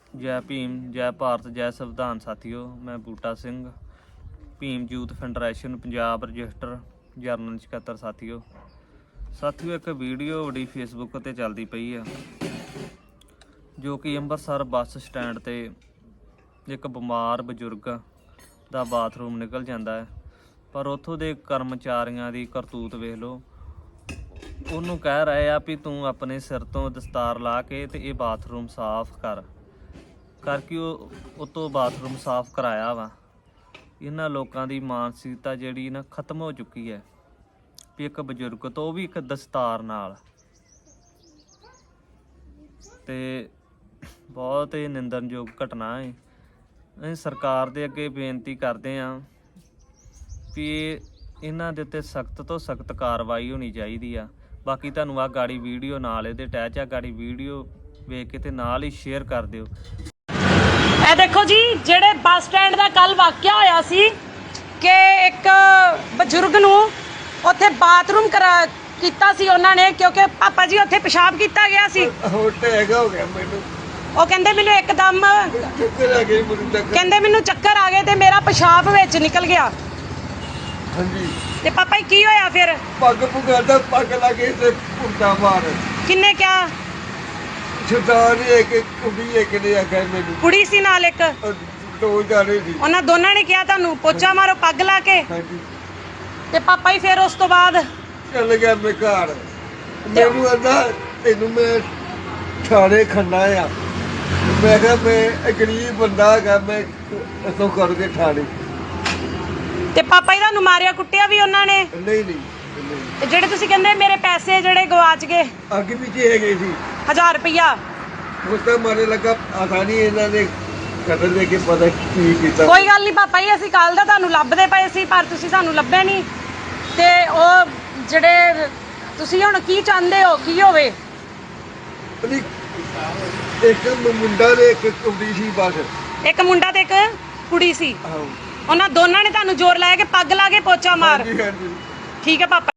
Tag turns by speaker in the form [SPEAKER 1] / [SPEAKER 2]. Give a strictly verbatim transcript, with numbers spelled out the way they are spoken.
[SPEAKER 1] जय भीम, जय भारत, जय संविधान। साथियों, मैं Buta Singh, Bhim youth federation Punjab register general सकत्तर। साथियों साथियों एक वीडियो बड़ी फेसबुक ते चलती पई है, जो कि अंमृतसर बस स्टैंड ते एक बिमार बजुर्ग दा बाथरूम निकल जाता है, पर उत्थों दे कर्मचारियों की करतूत वेख लो। ਉਹਨੂੰ कह रहे आ भी तू अपने सिर तो दस्तार ला के ते ये बाथरूम साफ कर करके ਉਹ ਉਤੋਂ बाथरूम साफ कराया वा। इन्हां लोगों की मानसिकता जिहड़ी ना खत्म हो चुकी है भी एक बजुर्ग तो भी एक दस्तार नाल, ते बहुत ही निंदनयोग घटना है। ਅਸੀਂ सरकार ਦੇ ਅੱਗੇ ਬੇਨਤੀ ਕਰਦੇ ਹਾਂ ਵੀ ਇਹਨਾਂ ਦੇ ਉੱਤੇ ਸਖਤ ਤੋਂ ਸਖਤ ਕਾਰਵਾਈ ਹੋਣੀ ਚਾਹੀਦੀ ਆ। ਬਾਕੀ ਤੁਹਾਨੂੰ ਆ ਗਾੜੀ ਵੀਡੀਓ ਨਾਲ ਇਹਦੇ ਅਟੈਚ ਆ, ਗਾੜੀ ਵੀਡੀਓ ਵੇਖ ਕੇ ਤੇ ਨਾਲ ਹੀ ਸ਼ੇਅਰ ਕਰ ਦਿਓ।
[SPEAKER 2] ਇਹ ਦੇਖੋ ਜੀ, ਜਿਹੜੇ ਬੱਸ ਸਟੈਂਡ ਦਾ ਕੱਲ ਵਾਕਿਆ ਹੋਇਆ ਸੀ ਕਿ ਇੱਕ ਬਜ਼ੁਰਗ ਨੂੰ ਉੱਥੇ ਬਾਥਰੂਮ ਕਰਾ ਕੀਤਾ ਸੀ ਉਹਨਾਂ ਨੇ, ਕਿਉਂਕਿ ਪਾਪਾ ਜੀ ਉੱਥੇ ਪਿਸ਼ਾਬ ਕੀਤਾ ਗਿਆ ਸੀ।
[SPEAKER 3] ਹੋ ਗਿਆ ਮੈਨੂੰ,
[SPEAKER 2] ਉਹ ਕਹਿੰਦੇ ਮੈਨੂੰ ਇੱਕਦਮ
[SPEAKER 3] ਚੱਕਰ ਆ ਗਏ, ਮੈਨੂੰ ਚੱਕਰ
[SPEAKER 2] ਕਹਿੰਦੇ ਮੈਨੂੰ ਚੱਕਰ ਆ ਗਏ ਤੇ ਮੇਰਾ ਪਿਸ਼ਾਬ ਵਿੱਚ ਨਿਕਲ ਗਿਆ।
[SPEAKER 3] ਹਾਂਜੀ,
[SPEAKER 2] ਤੇ ਪਾਪਾ ਜੀ ਕੀ ਹੋਇਆ ਫਿਰ?
[SPEAKER 3] ਪੱਗ ਪੁਗਾਦਾ ਪੱਗ ਲਾ ਕੇ ਤੇ ਪੁੱਟਾ ਮਾਰ।
[SPEAKER 2] ਕਿੰਨੇ ਕਿਹਾ?
[SPEAKER 3] ਸਰਦਾਰ ਇੱਕ ਕੁੜੀ ਇੱਕ ਨੇ ਆਖਿਆ ਮੈਨੂੰ,
[SPEAKER 2] ਕੁੜੀ ਸੀ ਨਾਲ ਇੱਕ,
[SPEAKER 3] ਦੋ ਜਾਣੇ ਸੀ।
[SPEAKER 2] ਉਹਨਾਂ ਦੋਨਾਂ ਨੇ ਕਿਹਾ ਤੁਹਾਨੂੰ ਪੋਚਾ ਮਾਰੋ ਪੱਗ ਲਾ ਕੇ।
[SPEAKER 3] ਹਾਂਜੀ,
[SPEAKER 2] ਤੇ ਪਾਪਾ ਜੀ ਫਿਰ ਉਸ ਤੋਂ ਬਾਅਦ
[SPEAKER 3] ਚੱਲ ਗਿਆ ਮੈਂ ਘਰ। ਮੈਨੂੰ ਆਂਦਾ ਤੈਨੂੰ ਮੈਂ ਥਾਣੇ ਖੰਨਾ ਆ। ਮੈਂ ਕਿਹਾ ਮੈਂ ਗਰੀਬ ਬੰਦਾ ਹੈਗਾ, ਮੈਂ ਇਥੋਂ ਕਰਕੇ ਥਾਣੇ।
[SPEAKER 2] ਤੇ ਪਾਪਾ ਜੀ ਤੁਹਾਨੂੰ ਮਾਰਿਆ ਕੁੱਟਿਆ ਵੀ ਉਹਨਾਂ ਨੇ?
[SPEAKER 3] ਨਹੀਂ ਨਹੀਂ,
[SPEAKER 2] ਤੇ ਜਿਹੜੇ ਤੁਸੀਂ ਕਹਿੰਦੇ ਮੇਰੇ ਪੈਸੇ ਜਿਹੜੇ ਗਵਾਚ ਗਏ
[SPEAKER 3] ਅੱਗੇ ਪਿੱਛੇ ਹੈਗੇ ਸੀ,
[SPEAKER 2] ਹਜ਼ਾਰ ਰੁਪਈਆ,
[SPEAKER 3] ਉਸ ਤਾਂ ਮਾਰੇ ਲੱਗਾ ਆਸਾਨੀ ਇਹਨਾਂ ਨੇ ਕਤਲ ਦੇ ਕੇ ਪਤਾ ਕੀ ਕੀਤਾ।
[SPEAKER 2] ਕੋਈ ਗੱਲ ਨਹੀਂ ਪਾਪਾ ਜੀ, ਅਸੀਂ ਕੱਲ ਦਾ ਤੁਹਾਨੂੰ ਲੱਭਦੇ ਪਏ ਸੀ ਪਰ ਤੁਸੀਂ ਸਾਨੂੰ ਲੱਭੇ ਨਹੀਂ। ਤੇ ਉਹ ਜਿਹੜੇ ਤੁਸੀਂ ਹੁਣ ਕੀ ਚਾਹੁੰਦੇ ਹੋ ਕੀ ਹੋਵੇ?
[SPEAKER 3] ਇੱਕ ਮੁੰਡਾ ਤੇ ਇੱਕ ਕੁੜੀ ਸੀ ਬਸ।
[SPEAKER 2] ਇੱਕ ਮੁੰਡਾ ਤੇ ਇੱਕ ਕੁੜੀ ਸੀ,
[SPEAKER 3] ਆਹੋ,
[SPEAKER 2] ਉਹਨਾਂ ਦੋਨਾਂ ਨੇ ਤੁਹਾਨੂੰ ਜ਼ੋਰ ਲਾਇਆ ਕਿ ਪੱਗ ਲਾ ਕੇ ਪੋਚਾ ਮਾਰ।
[SPEAKER 3] ਹਾਂਜੀ ਹਾਂਜੀ।
[SPEAKER 2] ਠੀਕ ਹੈ ਪਾਪਾ।